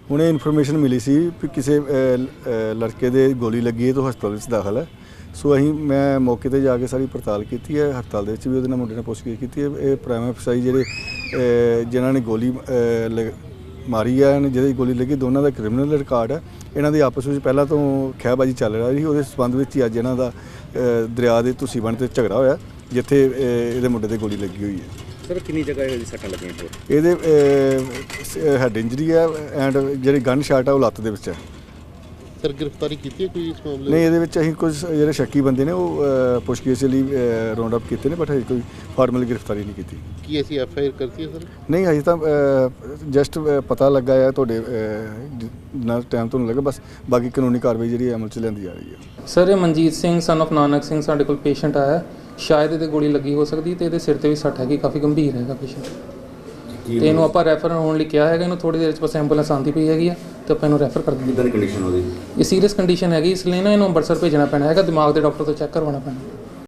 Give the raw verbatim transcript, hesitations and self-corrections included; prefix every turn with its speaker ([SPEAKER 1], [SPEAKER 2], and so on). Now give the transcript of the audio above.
[SPEAKER 1] ਹੁਣੇ ਇਨਫੋਰਮੇਸ਼ਨ ਮਿਲੀ ਸੀ ਕਿ ਕਿਸੇ ਲੜਕੇ ਦੇ ਗੋਲੀ ਲੱਗੀ ਹੈ ਤਾਂ ਹਸਪਤਾਲ ਵਿੱਚ ਦਾਖਲ ਹੈ। ਸੋ ਅਸੀਂ ਮੈਂ ਮੌਕੇ ਤੇ ਜਾ ਕੇ ਸਾਰੀ ਪੜਤਾਲ ਕੀਤੀ ਹੈ। ਹਸਪਤਾਲ ਦੇ ਵਿੱਚ ਵੀ ਉਹਦੇ ਨਾਲ ਮੁੰਡੇ ਨੇ ਪੁੱਛਗਿੱਛ ਕੀਤੀ ਹੈ। ਇਹ ਪ੍ਰਾਈਮ ਅਫਸਰ ਜਿਹੜੇ ਜਿਨ੍ਹਾਂ ਨੇ ਗੋਲੀ ਮਾਰੀ ਹੈ, ਜਿਹਦੀ ਗੋਲੀ ਲੱਗੀ, ਦੋਨਾਂ ਦਾ ਕ੍ਰਿਮੀਨਲ ਰਿਕਾਰਡ ਹੈ। ਇਹਨਾਂ ਦੀ ਆਪਸ ਵਿੱਚ ਪਹਿਲਾਂ ਤੋਂ ਖਹਿਬਾਜ਼ੀ ਚੱਲ ਰਹੀ ਸੀ। ਉਹਦੇ ਸੰਬੰਧ ਵਿੱਚ ਹੀ ਅੱਜ ਇਹਨਾਂ ਦਾ ਦਰਿਆ ਦੇ ਤੁਸੀਂ ਬਣ ਤੇ ਝਗੜਾ ਹੋਇਆ, ਜਿੱਥੇ ਇਹਦੇ ਮੁੰਡੇ ਤੇ ਗੋਲੀ ਲੱਗੀ ਹੋਈ ਹੈ।
[SPEAKER 2] ਸਰ ਕਿੰਨੀ ਜਗ੍ਹਾ ਇਹਦੀ ਸੱਟਾਂ ਲੱਗੀਆਂ?
[SPEAKER 1] ਇਹਦੇ ਹੈਡ ਇੰਜਰੀ ਹੈ ਐਂਡ ਜਿਹੜੀ ਗਨ ਸ਼ਾਟ ਹੈ ਉਹ ਲੱਤ ਦੇ ਵਿੱਚ ਹੈ।
[SPEAKER 3] ਸਰ ਗ੍ਰਿਫਤਾਰੀ ਕੀਤੀ ਹੈ ਕੋਈ ਇਸ ਮਾਮਲੇ?
[SPEAKER 1] ਨਹੀਂ, ਇਹਦੇ ਵਿੱਚ ਅਸੀਂ ਕੁਝ ਜਿਹੜੇ ਸ਼ੱਕੀ ਬੰਦੇ ਨੇ ਉਹ ਪੁੱਛਗਿੱਛ ਲਈ ਰਾਉਂਡ ਅਪ ਕੀਤੇ ਨੇ, ਬਟ ਹਜੇ ਕੋਈ ਫਾਰਮਲ ਗ੍ਰਿਫਤਾਰੀ ਨਹੀਂ ਕੀਤੀ।
[SPEAKER 3] ਕੀ ਅਸੀਂ ਐਫ ਆਈ ਆਰ ਕਰਤੀ ਹੈ ਸਰ?
[SPEAKER 1] ਨਹੀਂ, ਹਜੇ ਤਾਂ ਜਸਟ ਪਤਾ ਲੱਗਾ ਹੈ ਤੁਹਾਡੇ ਨਾਲ ਟਾਈਮ ਤੋਂ ਲੱਗਾ, ਬਸ ਬਾਕੀ ਕਾਨੂੰਨੀ ਕਾਰਵਾਈ ਜਿਹੜੀ ਅਮਲ 'ਚ ਲਿਆਂਦੀ ਜਾ ਰਹੀ ਹੈ।
[SPEAKER 4] ਸਰ ਇਹ ਮਨਜੀਤ ਸਿੰਘ ਸਨ ਆਫ ਨਾਨਕ ਸਿੰਘ ਸਾਡੇ ਕੋਲ ਪੇਸ਼ੈਂਟ ਆਇਆ, ਸ਼ਾਇਦ ਇਹਦੇ ਗੋਲੀ ਲੱਗੀ ਹੋ ਸਕਦੀ ਤੇ ਇਹਦੇ ਸਿਰ ਤੇ ਵੀ ਸੱਟ ਹੈਗੀ, ਕਾਫੀ ਗੰਭੀਰ ਹੈਗਾ ਪੇਸ਼ੈਂਟ ਤੇ ਇਹਨੂੰ ਆਪਾਂ ਰੈਫਰ ਹੋਣ ਲਈ ਕਿਹਾ ਹੈਗਾ। ਇਹਨੂੰ ਥੋੜੀ ਦੇਰ 'ਚ ਬਸ ਐਂਬੂਲੈਂਸ ਆਉਂਦੀ ਪਈ ਹੈਗੀ ਆ ਤੇ ਆਪਾਂ ਇਹਨੂੰ ਰੈਫਰ ਕਰ ਦਿੰਦੇ।
[SPEAKER 2] ਕਿੱਦਾਂ ਦੀ ਕੰਡੀਸ਼ਨ ਉਹਦੀ?
[SPEAKER 4] ਇਹ ਸੀਰੀਅਸ ਕੰਡੀਸ਼ਨ ਹੈਗੀ, ਇਸ ਲਈ ਨਾ ਇਹਨੂੰ ਅੰਮ੍ਰਿਤਸਰ ਭੇਜਣਾ ਪੈਣਾ ਹੈਗਾ, ਦਿਮਾਗ ਦੇ ਡਾਕਟਰ ਤੋਂ ਚੈੱਕ ਕਰਵਾਉਣਾ ਪੈਣਾ।